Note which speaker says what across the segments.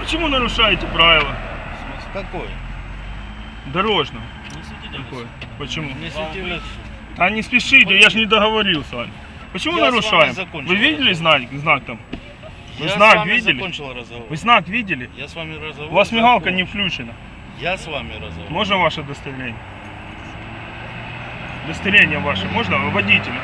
Speaker 1: Почему нарушаете правила?
Speaker 2: Какое?
Speaker 1: Дорожного.
Speaker 2: Не светите
Speaker 1: Какое? Почему?
Speaker 2: Не светите.
Speaker 1: Да не спешите, я же не договорил с вами. Почему
Speaker 2: Я с
Speaker 1: нарушаем?
Speaker 2: вами закончил
Speaker 1: Вы видели знак там? Вы
Speaker 2: Я
Speaker 1: знак
Speaker 2: с вами
Speaker 1: видели?
Speaker 2: закончил разговор.
Speaker 1: Вы знак видели?
Speaker 2: Я с вами разговор.
Speaker 1: У вас мигалка
Speaker 2: закончил.
Speaker 1: не включена.
Speaker 2: Я с вами разговор.
Speaker 1: Можно ваше удостоверение? Удостоверение ваше можно? Водителя?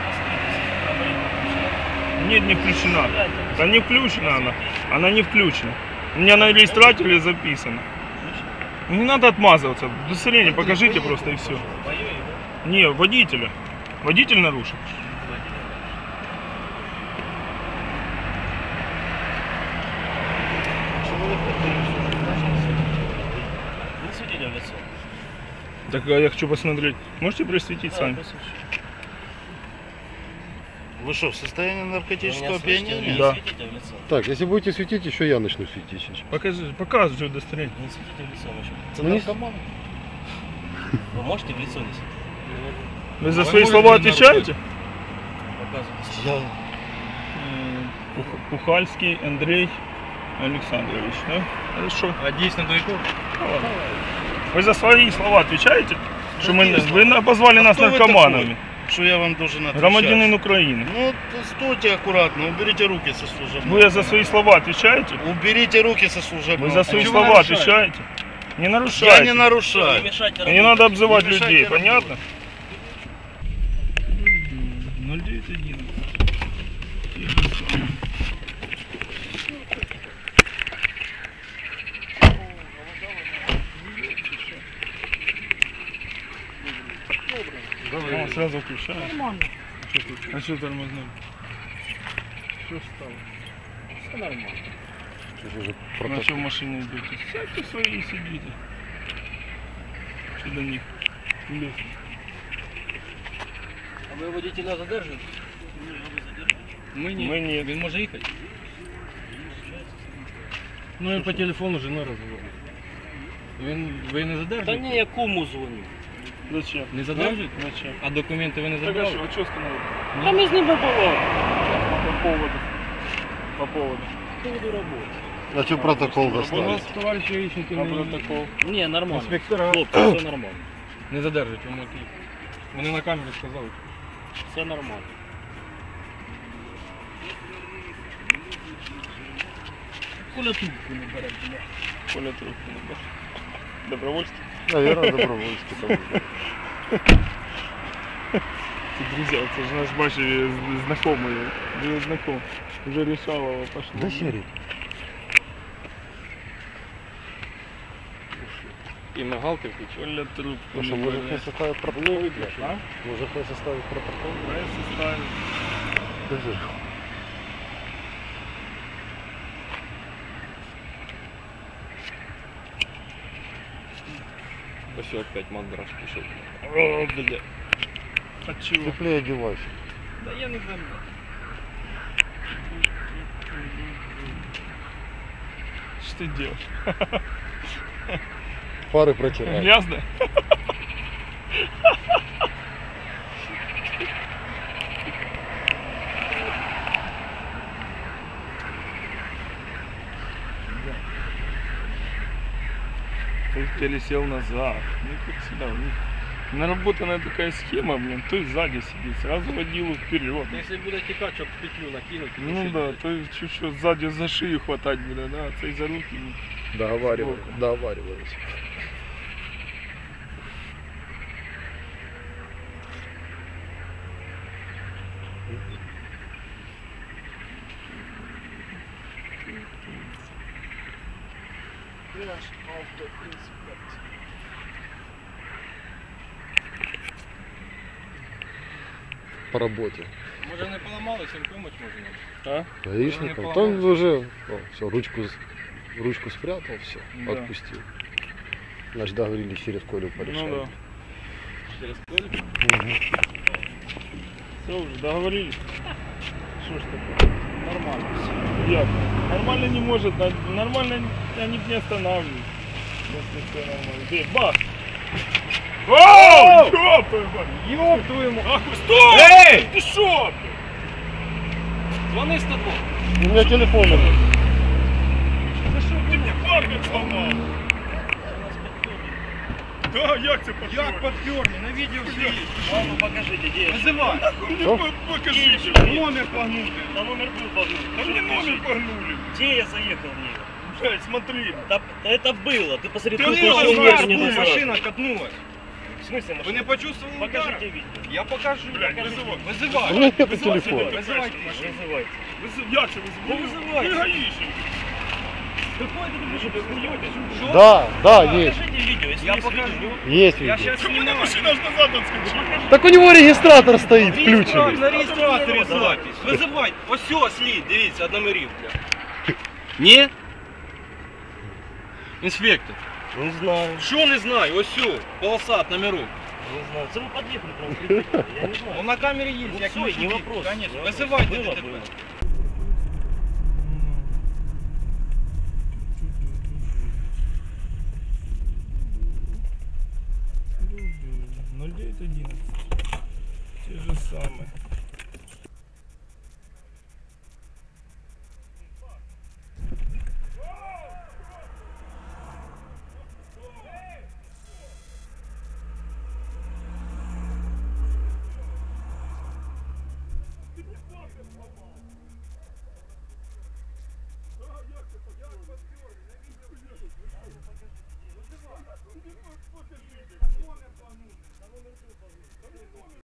Speaker 1: Нет, не включена. Да не включена она. Она не включена. У меня на регистраторе записано. Не надо отмазываться. Удостоверение покажите просто и все. Не, водителя. Водитель нарушил.
Speaker 2: Не светите в лицо.
Speaker 1: Так а я хочу посмотреть. Можете просветить сами?
Speaker 2: Вы что, в состоянии наркотического опьянения?
Speaker 1: Да.
Speaker 2: Не светите в лицо.
Speaker 3: Так, если будете светить, еще я начну светить сейчас.
Speaker 1: Показывайте удостоверение.
Speaker 2: Не светите в лицо вообще.
Speaker 3: Ну, не
Speaker 2: наркоман. Вы можете в лицо не светить?
Speaker 1: Вы за свои слова отвечаете?
Speaker 2: Показывайте.
Speaker 1: Пухальский Андрей Александрович, да? Хорошо.
Speaker 2: А действительно далеко?
Speaker 1: Вы за свои слова отвечаете? Что
Speaker 2: Какие слова?
Speaker 1: вы обозвали нас
Speaker 2: кто вы
Speaker 1: наркоманами.
Speaker 2: Что я вам должен отвечать?
Speaker 1: Громадянин Украины.
Speaker 2: Ну, стойте аккуратно, уберите руки со служебного.
Speaker 1: Вы за свои слова отвечаете?
Speaker 2: Уберите руки со служебного.
Speaker 1: Вы за свои
Speaker 2: чего
Speaker 1: слова
Speaker 2: нарушаете?
Speaker 1: отвечаете? Не нарушайте.
Speaker 2: Я не нарушаю.
Speaker 1: И не надо обзывать
Speaker 2: Не мешайте
Speaker 1: людей,
Speaker 2: работать.
Speaker 1: понятно? 0911. О, сразу включаю. Нормально. А что тормознули? Что стало?
Speaker 2: Все нормально.
Speaker 1: На что в машине идете? Сядьте свои и сидите. Что до них? Лезь.
Speaker 2: А ви водителя задержуєте?
Speaker 1: Мы нет.
Speaker 2: Він може їхати?
Speaker 4: Ну він по телефону жена розмовляє. Ви не задержуєте?
Speaker 2: Та ні, я куму дзвоню.
Speaker 1: Зачем?
Speaker 4: Не задержуєте?
Speaker 1: Зачем?
Speaker 4: А документи ви не
Speaker 1: Так а
Speaker 4: забрали?
Speaker 1: что, а что остановили?
Speaker 2: Та ми з ним побували.
Speaker 1: По поводу. По поводу.
Speaker 2: По поводу роботи.
Speaker 3: А что протокол
Speaker 4: У
Speaker 3: доставить?
Speaker 4: нас товариші гаїшники
Speaker 1: А
Speaker 4: не,
Speaker 1: протокол?
Speaker 2: Ні, нормально.
Speaker 4: інспектора
Speaker 2: Хлопці, все нормально.
Speaker 4: не задержують, ви можете їхати. Вони на камері сказали.
Speaker 2: Все нормально. Коля трубку не бере, бля.
Speaker 1: Коля трубку не берет. Добровольский?
Speaker 3: Наверное, добровольский там.
Speaker 1: Друзья, это же наш Баши знакомый. Уже знаком. Уже Решалова пошло.
Speaker 3: Да серый.
Speaker 4: І мигалки включили.
Speaker 1: Коля трубку
Speaker 3: Ну что,
Speaker 1: не
Speaker 3: может
Speaker 1: берет.
Speaker 3: не составить протокол?
Speaker 1: А?
Speaker 3: Может не составить протокол?
Speaker 1: Давай составим.
Speaker 3: Скажи.
Speaker 4: Ось опять мандраж пішов.
Speaker 1: О, бля. От чего?
Speaker 3: Теплее одевайся.
Speaker 1: Да я не знаю. Что ты делаешь?
Speaker 3: Фары протирай.
Speaker 1: Грязно? Ты пересел назад. Ну как всегда. Наработанная такая схема, блин. То есть сзади сидит, сразу водилу вперед.
Speaker 4: Якщо буде тікати, щоб петлю накинути.
Speaker 1: Ну да, то есть чуть-чуть сзади за шею хватать, блин, да, а цей за руки.
Speaker 3: Договаривались. По работе.
Speaker 4: Може не поламалися, їм помочь можна?
Speaker 1: А?
Speaker 3: Гаишником.
Speaker 4: не
Speaker 3: Там
Speaker 4: поломался.
Speaker 3: уже все, ручку спрятал, все,
Speaker 1: Да.
Speaker 3: отпустил. Значит, договорились через Колю порешать.
Speaker 1: Ну да.
Speaker 4: Через поле?
Speaker 1: Все уже договорились. Что ж такое? Нормально все. Як? Нормально не может, нормально они не останавливают. Если все нормально. Где? Бах! Оу! Ёб твою мать! Ёб твою мать! Ах, стой! Эй! Ты шо?
Speaker 4: Дзвони 102.
Speaker 3: У меня телефон.
Speaker 1: Да что ты Опять сломал. Да, як це подпёрли?
Speaker 5: Як подперли? На видео все есть.
Speaker 2: Маму покажите, где я.
Speaker 5: Вызывай.
Speaker 3: Что?
Speaker 1: Покажите.
Speaker 5: Номер погнутый.
Speaker 2: Да номер был погнут.
Speaker 1: Да мне номер погнули.
Speaker 2: Где я заехал в нее?
Speaker 1: Блядь, смотри.
Speaker 2: Да, это было. Ты посмотри,
Speaker 1: Да
Speaker 2: тут
Speaker 1: не,
Speaker 2: еще
Speaker 1: я
Speaker 2: умер
Speaker 1: знаю,
Speaker 2: не
Speaker 5: Фу,
Speaker 2: называй.
Speaker 5: машина катнулась.
Speaker 2: В смысле
Speaker 5: Вы
Speaker 2: машина?
Speaker 5: не почувствовали удара?
Speaker 2: Покажите видео.
Speaker 5: Я покажу.
Speaker 1: Блядь, вызывай.
Speaker 3: У
Speaker 5: Вызывай.
Speaker 3: меня нету
Speaker 1: Вызывайте
Speaker 3: телефона.
Speaker 1: ДТП,
Speaker 5: Вызывайте.
Speaker 1: машину.
Speaker 2: Вызывайте.
Speaker 1: Як це вызывай?
Speaker 2: Да вызывайте.
Speaker 1: Ты гаишник.
Speaker 2: Какой ты что, ты хуёвый?
Speaker 3: Да, да, есть.
Speaker 2: Покажите видео, если
Speaker 5: Я
Speaker 2: есть
Speaker 5: покажу.
Speaker 2: видео.
Speaker 3: Есть
Speaker 5: Я
Speaker 3: видео.
Speaker 5: сейчас
Speaker 1: У меня
Speaker 5: снимаю.
Speaker 1: машина аж назад отскочила.
Speaker 3: Так у него регистратор стоит включенный.
Speaker 5: На реєстраторі запись. Визивай. Ось все, слід, дивіться, одномерівка. Ні? Інспектор.
Speaker 2: Не знаю.
Speaker 5: Що не знаю? Ось все, полосат номерок.
Speaker 2: Не знаю. Это вы подъехали прям прикрепили, я не знаю.
Speaker 5: Он на камері є,
Speaker 2: Ну
Speaker 5: як
Speaker 2: всё,
Speaker 5: ключ
Speaker 2: не
Speaker 5: є.
Speaker 2: вопрос.
Speaker 5: Конечно.
Speaker 2: не
Speaker 5: Визивайте
Speaker 2: вопрос. Было,
Speaker 5: ДТП.
Speaker 2: было.
Speaker 1: Ну, 0911. Те же самые.